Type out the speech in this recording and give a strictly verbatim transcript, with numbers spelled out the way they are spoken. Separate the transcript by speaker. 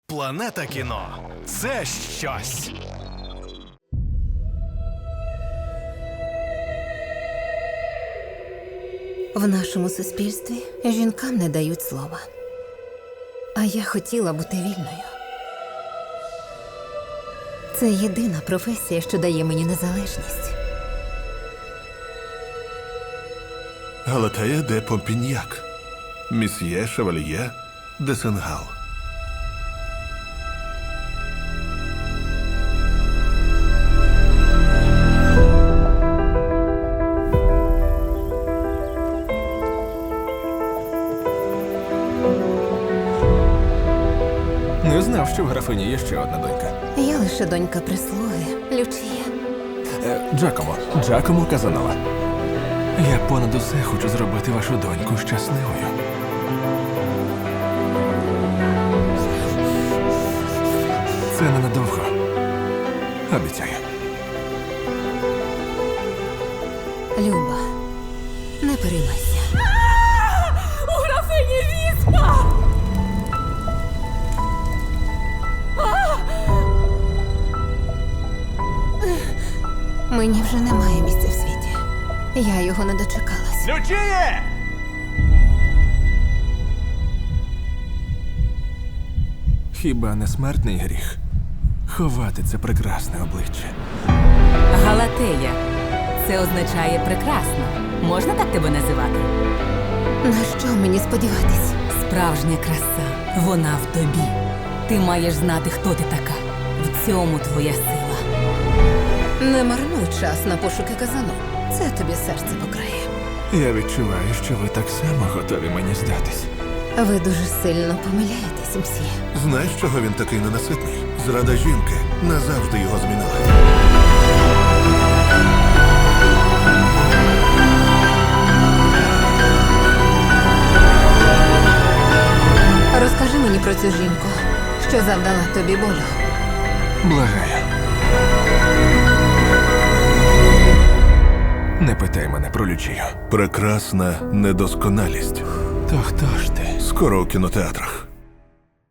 Speaker 1: Планета кіно – це щось.
Speaker 2: В нашому суспільстві жінкам не дають слова. А я хотіла бути вільною. Це єдина професія, що дає мені незалежність.
Speaker 3: Галатея де Помпіньяк, Місьє Шевальє де Сенгал.
Speaker 4: Не знав, що в графині є ще одна донька.
Speaker 2: Я лише донька прислуги, Лючія.
Speaker 4: Е, Джакомо, Джакомо Казанова. Я понад усе хочу зробити вашу доньку щасливою. Це ненадовго. Обіцяю.
Speaker 2: Люба, не переймайся.
Speaker 5: У графині віспа!
Speaker 2: Мені вже немає місця в світі. Я його не дочекалась.
Speaker 1: Лючіє!
Speaker 4: Хіба не смертний гріх ховати це прекрасне обличчя?
Speaker 5: Галатея. Це означає прекрасно. Можна так тебе називати?
Speaker 2: На що мені сподіватись?
Speaker 5: Справжня краса. Вона в тобі. Ти маєш знати, хто ти така. В цьому твоя сила.
Speaker 2: Не марнуй час на пошуки казану. Це тобі серце покрає.
Speaker 4: Я відчуваю, що ви так само готові мені здатись.
Speaker 2: Ви дуже сильно помиляєтесь, мсьє.
Speaker 3: Знаєш, чого він такий ненаситний? Зрада жінки назавжди його змінила.
Speaker 2: Розкажи мені про цю жінку, що завдала тобі болю.
Speaker 4: Благаю. Не питай мене про Лючію.
Speaker 3: Прекрасна недосконалість.
Speaker 4: То хто ж ти?
Speaker 3: Скоро у кінотеатрах.